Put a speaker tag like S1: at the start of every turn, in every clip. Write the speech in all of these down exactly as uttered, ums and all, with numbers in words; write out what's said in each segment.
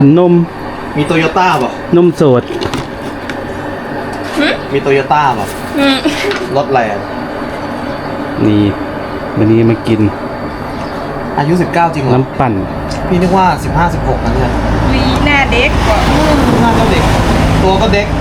S1: นม
S2: มีโตโยต้าป่ะ
S1: นมสด
S2: มีโตโยต้าป่ะรถแรง
S1: นี่วันนี้มากิน
S2: อายุสิบเก้าจริงเหรอ
S1: น้ำปั่น
S2: พี่นึกว่าสิบห้า สิบหกนะเนี่ย
S3: วีหน้าเด็กกว่า
S2: หน้าก็เด็กตัวก็เด็ก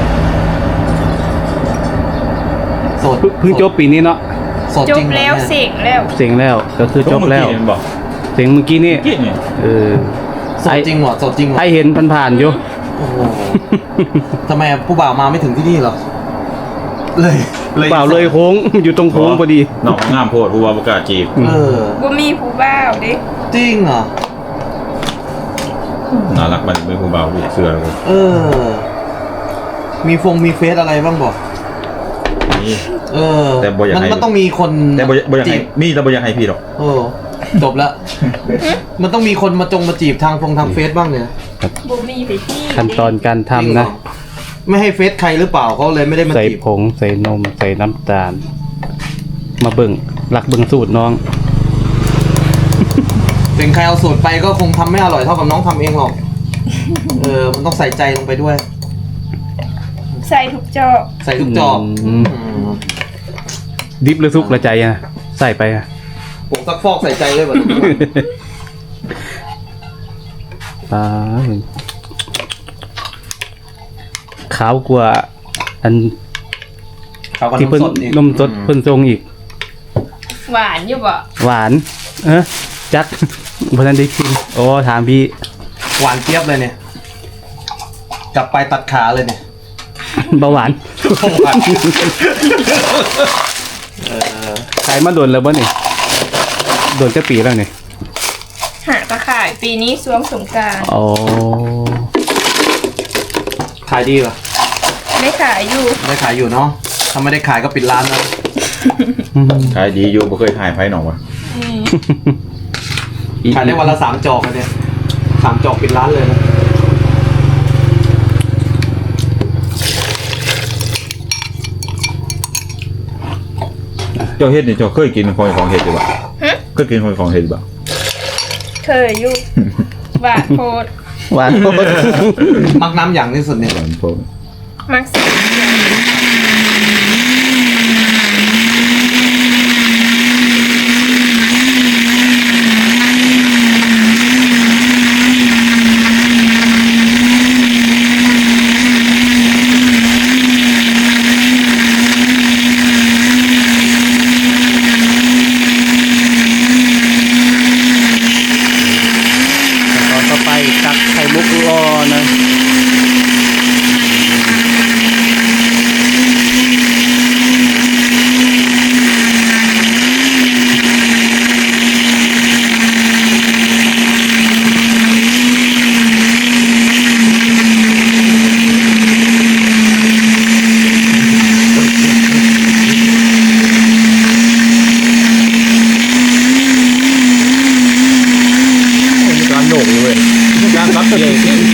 S2: โสด
S1: เพิ่งจบปีนี้เนาะ
S3: จบแล้วเสียงแล้ว
S1: เสียงแล้วก็คือจบแล้วเสียงเมื่อกี้นี่เออ
S2: โสดจริงเหรอโสดจริงเหรอ
S1: ไอเห็นผ่านๆอยู่
S2: โอ้โหทำไมผู้บ่าวมาไม่ถึงที่นี่หรอเลย
S1: เลยบ่าวเลยโค้งอยู่ตรงโค้งพอดี
S4: น้องงามโพดผู้ว่าประกาศจีบ
S2: เออ
S3: บ่มีผู้บ่าวดิ
S2: จริงเหรอ
S4: น่ารักมันเป็นผู้บ่าวผู้เสือเลย
S2: เออมีฟงมีเฟซอะไรบ้างบอก
S4: นี่
S2: เออแต่บ่อยากให้มันต้องมีคน
S4: แต่บ่อยากให้มีแต่บ่อยากให้พี่หรอก
S2: โอ้จบแล้วมันต้องมีคนมาจงมาจีบทางฟงทางเฟซบ้างเนี่ย
S3: บ่มีไปที่
S1: ขั้นตอนการทำนะ
S2: ไม่ให้เฟซใครหรือเปล่าเขาเลยไม่ได้มาจีบ
S1: ใส่ผงใส่นมใส่น้ำตาลมาเบิ่งหลักเบิ่งสูตรน้อง
S2: เป็นใครเอาสูตรไปก็คงทำไม่อร่อยเท่ากับน้องทำเองหรอกเออมันต้องใส่ใจลงไปด้วย
S3: ใส่ทุกจอก
S2: ใส่ทุกจอก
S1: ดิบหรือซุกละใจอะใส่ไปอะ
S2: ผงซักฟอกใส่ใจเลยแบบ
S1: อ่าขาวกว่าอันที่เพิ่นนมสดเพิ่นทรงอีก
S3: หวานอยู่บ่
S1: หวานเออจักเพราะนั้นได้กินโอ้ถามพี่
S2: หวานเจี๊ยบเลยเนี่ยกลับไปตัดขาเลยเนี่ย
S1: เบาหวานขายมาโดนแล้วบ่นี่โดนจะปีแล้วนี่
S3: หาตะข่ายปีนี้ช่วงสงกรานต์
S1: อ๋อ
S2: ขายดีป่ะ
S3: ไม่ขายอยู่
S2: ไม่ขายอยู่เนาะถ้าไม่ได้ขายก็ปิดร้านแล้ว
S4: ขายดีอยู่บ่เคยขายไผหนองวะ
S2: ขายได้วันละสามจอกเลยเนี่ยสามจอกปิดร้านเลยนะ
S4: เจ้าเฮ็ดนี่เจ้าเคยกินของของเฮ็ดหรือเปล่าเคยกินของของเฮ็ดหรือเปล่า
S3: เคยอยู่หวานโพด
S1: หวานโพด
S2: มักน้ำอย่างที่สุดเนี่ย
S4: หวานโพด
S3: มักสิ
S1: ตักไข่มุกรอนะ
S4: การโหนกเลยการรับเลย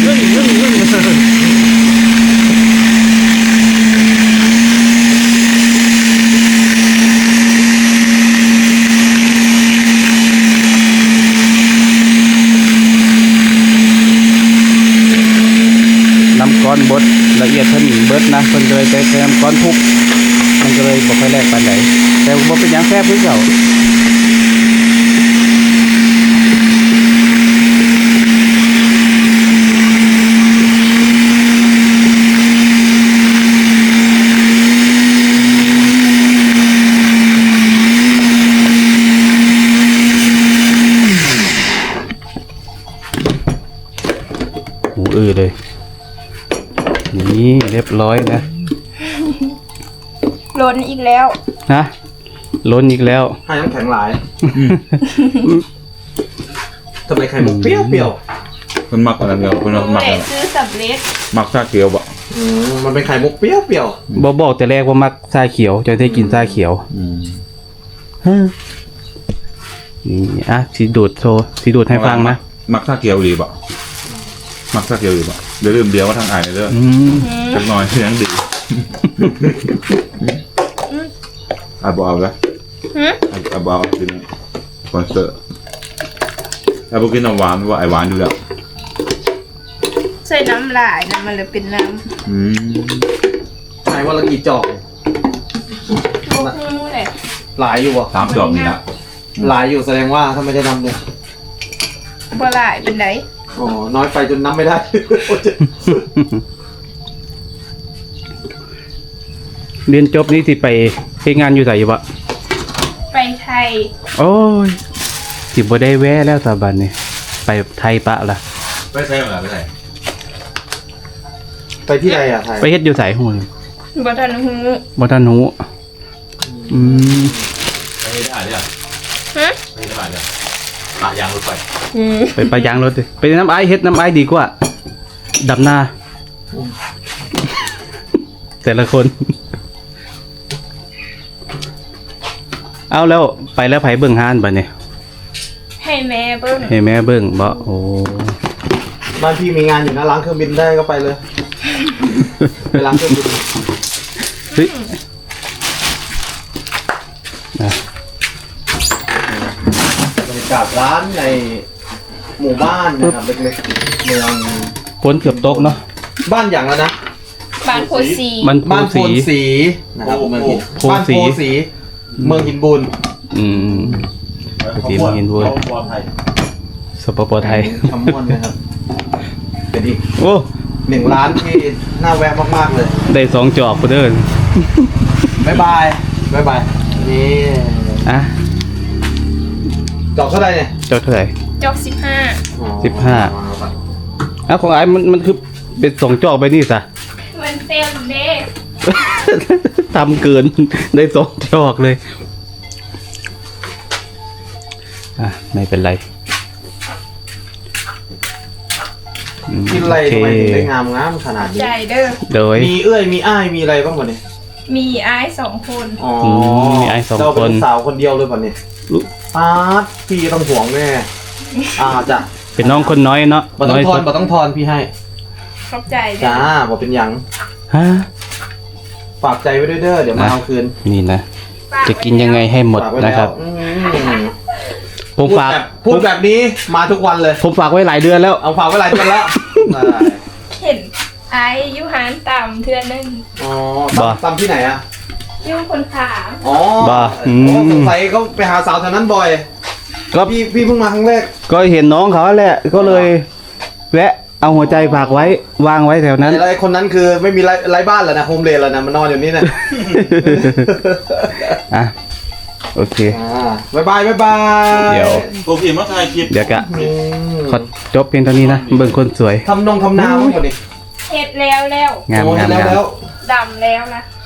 S1: น้ำก้อนบดละเอียดเพิ่นเบิดนะเพิ่นเลยใช้น้ำก้อนทุกมันก็เลยบ่ค่อยแลกปานใดแต่บ่เป็นหยังแซ่บคือเก่าหูอื้อเลยนี่เรียบร้อยนะ
S3: ล้นอีกแล้ว
S1: นะล้นอีกแล้ว
S2: ให้น้ำแข็งหลายทำไมไข่มุกเปรี้ยวเปรี้ยว
S4: มันมักอะไรเดียวมันมัก
S3: ซื้อสำเร็จ
S4: มักชาเขียวบ่
S2: มันเป็นไข่มุกเปรี้ยวเปรี้ยว
S1: บอบอกแต่แรกว่ามักชาเขียวจะได้กินชาเขียวนี่อ่ะสีดูดโชว์สีดูดให้ฟังนะ
S4: มักชาเขียวหรือบ่มักชาเขียวหรือบ่เดี๋ยวลืมเดียวว่าทางอ่านเลยเด้อจักหน่อยเสียงดีอ่ะบ่เอาละอ่ะบ่เอากินคอนเสิร์ตอ่ะบ่กินน้ำหวานว่าไอหวานอยู่แล้ว
S3: ใส่น้ำลายนะมันเลยเป็นน้
S4: อืม
S2: ไหนวันละกี่จอก
S3: ำพวกนู้นแหละ
S2: หลายอยู่บ่
S4: สามจอบนี่ละ
S2: หลายอยู่แสดงว่าถ้าไม่ได้นำเนี่ย
S3: บ่หลายเป็นได
S2: อ๋อน้อยไปจนนับไม่ได้
S1: เรียนจบนี่สิไปเฮ็ดงานอยู่ไสอยู่บ่
S3: ไปไทย
S1: โอ้ยสิบ่ได้แวะแล้วตาบัดนี้ไปไทยปะล่ะ
S4: ไม่ใช่เหรอไม่ใช่
S2: ไปที่ไหนอ่ะไทย
S1: ไปเฮ็ดอยู่ไสฮู้
S3: บ่ทันฮู้
S1: บ่ทันฮู้อืม
S4: ไปได้เนี่ย
S3: ฮะ
S4: ไปได้เนี่ยปะยางรถไฟ
S3: อืม
S1: ไปปะยางรถดิไปน้ำอ้ายเฮ็ดน้ำอ้ายดีกว่าดำนาแต่ละคน เอาแล้วไปแล้วไผเบิ่งห้านบัดนี้
S3: ให้แม่เบิ่ง
S1: ให้แม่เบิ่งบ่โอ้
S2: บ้านพี่มีงานอยู่นะล้างเครื่องบินได้ก็ไปเลย ไปล้างเครื่องบิน
S1: เฮ้ยนะ
S2: บรรยากาศร้านในหมู่บ้านนะครับเล็กๆเมือง
S1: ฝนเกือบตกเนาะ
S2: บ้านอย่างแล้วนะ
S3: บ้านโพสี
S1: มัน
S2: บ้าน
S1: โพ
S2: โพน
S1: สี
S2: สีนะครับเมืองหิน
S1: โพ
S2: บ้าน
S1: สี
S2: โพสีเมืองหินบุญ
S1: อืม สีเมืองหินบุญ สปปไทย
S2: คำม่วนนะครับเป็นอีก
S1: โอ้
S2: หนึ่งร้านที่น่าแวะมากๆเลย
S1: ได้สองจอกกูเด้อ
S2: บ๊ายบายบ๊ายบายนี่
S1: อ่ะ
S2: จอกเท่าไหร่เนี่ย
S1: จอกเท่าไหร่
S3: จอกสิบห้า
S2: อ๋อ
S1: สิบห้า อ้าวของไอ้มันมันคือเป็นสองจอกไปนี่ซะ
S3: มันเต็มเด้
S1: ทำเกิน ได้สองจอกเลย อ่ะ ไม่เป็นไรอืม
S2: กินอะไร
S1: โอเค
S2: ทำไมถึงได้งามงามขนาดนี้
S3: ใจเด้อ
S1: โดย
S2: มีเอื้อยมีอ้ายมีอะไรบ้างวะเนี่ย
S3: มีอ้ายสองคน
S2: อ๋อ
S1: มมีอ้ายสอง
S2: เราเป็
S1: คน
S2: นสาวคนเดียวเลยป่ะเนี่ย
S1: อุ๊ย
S2: ปาดพี่ต้องห่วงแน่อ่าจ้ะ
S1: เป็นน้องคนน้อยเนาะ
S2: บ่ต้องทอนบ่ต้องทอนพี่ให้
S3: ขอบใจเด้
S2: จ้า
S3: อ
S2: บ่เป็นหยัง
S1: ฮะ
S2: ฝากใจไว้ด้วยเด้อเดี๋ยวมาเอาคืน
S1: นี่นะ จะกินยังไงให้หมด
S2: ฝากไว้
S1: นะ
S2: แล้ว
S1: ครับ
S2: อืม
S1: ผม
S2: พูด
S1: ฝาก
S2: แบบพูดแบบนี้มาทุกวันเลย
S1: ผมฝากไว้หลายเดือนแล้ว
S2: เอาฝากไว้หลายเดือนแล้วได้
S3: เห็นไอ้อยูหานต่ำเทือนนึง
S2: อ๋อ
S1: บ่
S2: ตำตำที่ไหนอ่ะ
S3: อยูคนขาม
S2: อ๋อ
S1: บ่อืม
S2: โอ้สงสัยเขาไปหาสาวแถวนั้นบ่อย
S1: ก็
S2: พี่พี่เพิ่งมาครั้งแรก
S1: ก็เห็นน้องเขาแหละ ก็เลย แวะ เอาหัวใจฝากไว้ วางไว้แถวนั้น
S2: ไอ้คนนั้นคือไม่มีไร้ไร้บ้านแล้วนะโฮมเลนแล้วนะมันนอนอยู่นี่นะ
S1: อ่ะ โอเค
S2: อ่าบ๊ายบายบ๊ายบาย
S1: เดี๋ยว
S4: โอเคมาถ่ายคลิป
S1: เดี๋ยวกะ
S2: อืม
S1: ขอจบเพียงเท่านี้นะ เบิ่งคนสวย
S2: ทำนงทำนาบ้างก่อนดิ
S3: เห็ดแล้วแล้ว
S1: งาม
S2: โอ้ย
S1: งาม
S2: แล้ว
S1: งาม
S2: แล้ว
S3: ดำแล้วนะ